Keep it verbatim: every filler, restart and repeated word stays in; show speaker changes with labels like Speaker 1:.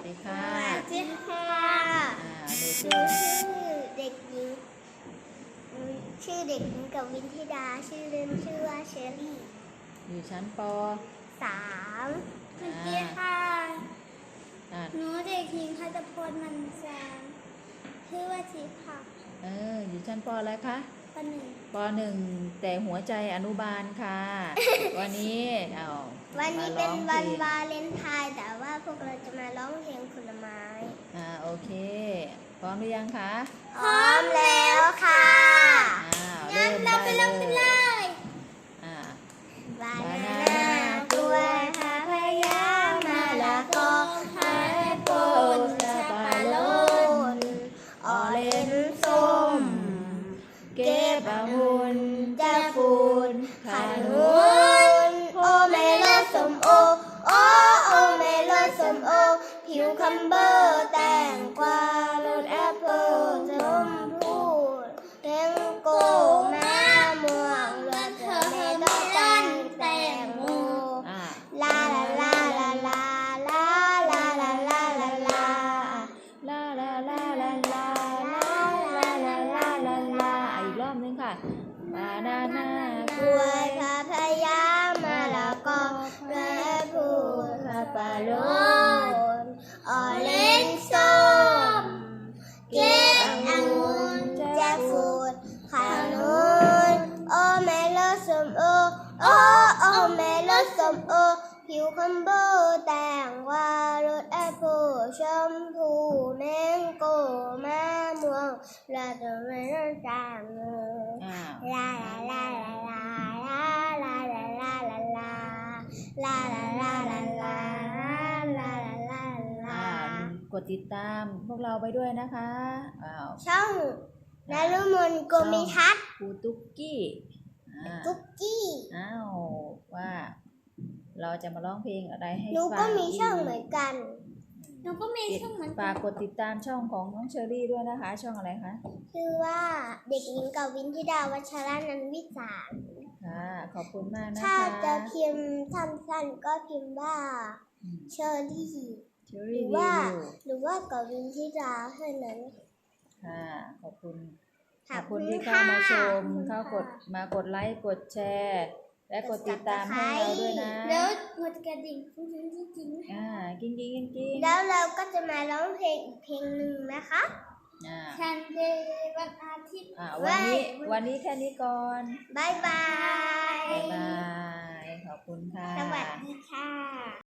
Speaker 1: ดีค่ะ
Speaker 2: สวัสดีค่ะ
Speaker 1: อ่าหนู
Speaker 2: ห
Speaker 1: ชื่
Speaker 2: นู
Speaker 1: อ
Speaker 2: ชื่อเด็กหญิงหนูชื่อเด็กหญิงกวินธิดา ชื่อเล่นชื่อว่าเชอรี่
Speaker 1: อยู่ชั้นป
Speaker 2: สามส
Speaker 1: อ่า
Speaker 2: วัสดีค่ะ
Speaker 1: อ่า
Speaker 2: หนูเด็กหญิงพัชพลมันแสงชื่อว่าทิพย์ค่ะ
Speaker 1: เอออยู่ชั้นปอะไรคะ
Speaker 2: ปหนึ่ง
Speaker 1: ปหนึ่งแต่หัวใจอนุบาลค่ะ วันนี้เอา
Speaker 2: วันนี้
Speaker 1: มา
Speaker 2: เป็
Speaker 1: ร้
Speaker 2: น
Speaker 1: องพ
Speaker 2: วั
Speaker 1: ล
Speaker 2: น
Speaker 1: ง
Speaker 2: วาเลนไทน์แต่ว่าพวกเราจะมาร้องเพลงผลไม้
Speaker 1: อ่าโอเคพร้อมหรือยังคะ
Speaker 2: พร้อมแล้วค่ะ
Speaker 1: อ้าวเริ่มได้เลย
Speaker 2: ย
Speaker 1: อ่า
Speaker 2: บานานากล้วยพาพยามะละกอไม้โปนสับปะรดออเรนจ์ส้มเก็บองุ่นจะฟูนขนุนโอเมลอนส้มโอโอโอเมลอนส้มโอผิวคัมเบอร์แตงกวารสแอปเปิ้ลชมพูแตงโกมะม่วงรสเทอร์เมลอนแตงโม
Speaker 1: อ่า
Speaker 2: ลาลาลาลาลาลาลาลาลาลาลา
Speaker 1: ลาลาลาลาลาลาลาลาลาลาลาอ่ะอีกรอบนึงค่ะบานาน่าก ก
Speaker 2: ล้
Speaker 1: ล้ว วย ย
Speaker 2: พาพยามะละกอแม่พูดสับปะรดออเรนจ์ส้มเก็บองุ่นแจ็คฟรุตขนุนโอเมลอนส้มโอโอโอเมลอนส้มโอผิวคัมเบอร์แตงกวารสแอปเปิ้ลชมพูแมงโก้มะม่วงและเทอร์เมลอนแตงโม
Speaker 1: อ่า
Speaker 2: ลาลาลาลาลาลาลาลาลาลาลาลาลาลาลาลาลาลา
Speaker 1: อ่ากดติดตามพวกเราไปด้วยนะคะอ้าว
Speaker 2: ช่องนฤมลโกมิทัศน์
Speaker 1: ครูตุ๊กกี้อ่า
Speaker 2: กุ๊กกี้
Speaker 1: อ้าวว่าเราจะมาร้องเพลงอะไรให้
Speaker 2: หนู
Speaker 1: ฟั
Speaker 2: ก็
Speaker 1: ง
Speaker 2: มีช่องเหมือนกัน
Speaker 1: หนูก็มีช่องเหมือนกันฝากกดติดตามช่องของน้องเชอรี่ด้วยนะคะ ช่องอะไรคะ
Speaker 2: ชื่อว่าเด็กหญิงกวินธิดาวัชรานันท์วิสาร
Speaker 1: ค่ะขอบคุณมากนะคะ
Speaker 2: ถ้าจะพิมพ์สั้นๆก็พิมพ์ว่า
Speaker 1: อืม
Speaker 2: เชอรี่
Speaker 1: เชอ
Speaker 2: ห
Speaker 1: รี่
Speaker 2: รือ
Speaker 1: รี
Speaker 2: ว่า
Speaker 1: วิว
Speaker 2: หรือว่ากวินธิดาเท่านั้น
Speaker 1: ค่ะขอบคุณข
Speaker 2: ข
Speaker 1: อ
Speaker 2: อ
Speaker 1: บบ
Speaker 2: คุ
Speaker 1: คุณ
Speaker 2: ณ
Speaker 1: ที่เข้ามาชม
Speaker 2: ค่ะ
Speaker 1: เข้ากดมากดไลค์กดแชร์ และกดติดตามให้เราด้วยนะ
Speaker 2: แล้วกดกระดิ่งจริงจริง
Speaker 1: อ่ากิ้งกิ้งกิ้งกิ้ง
Speaker 2: แล้วเราก็จะมาร้องเพลงอีกเพลงหนึ่งนะคะ
Speaker 1: อ่า
Speaker 2: ชันเดย์วันอาทิตย์
Speaker 1: อ่าวันนี้วันนี้แค่นี้ก่อน
Speaker 2: บายบาย
Speaker 1: บ๊ายบายขอบคุณค่ะ
Speaker 2: สวัสดีค่ะ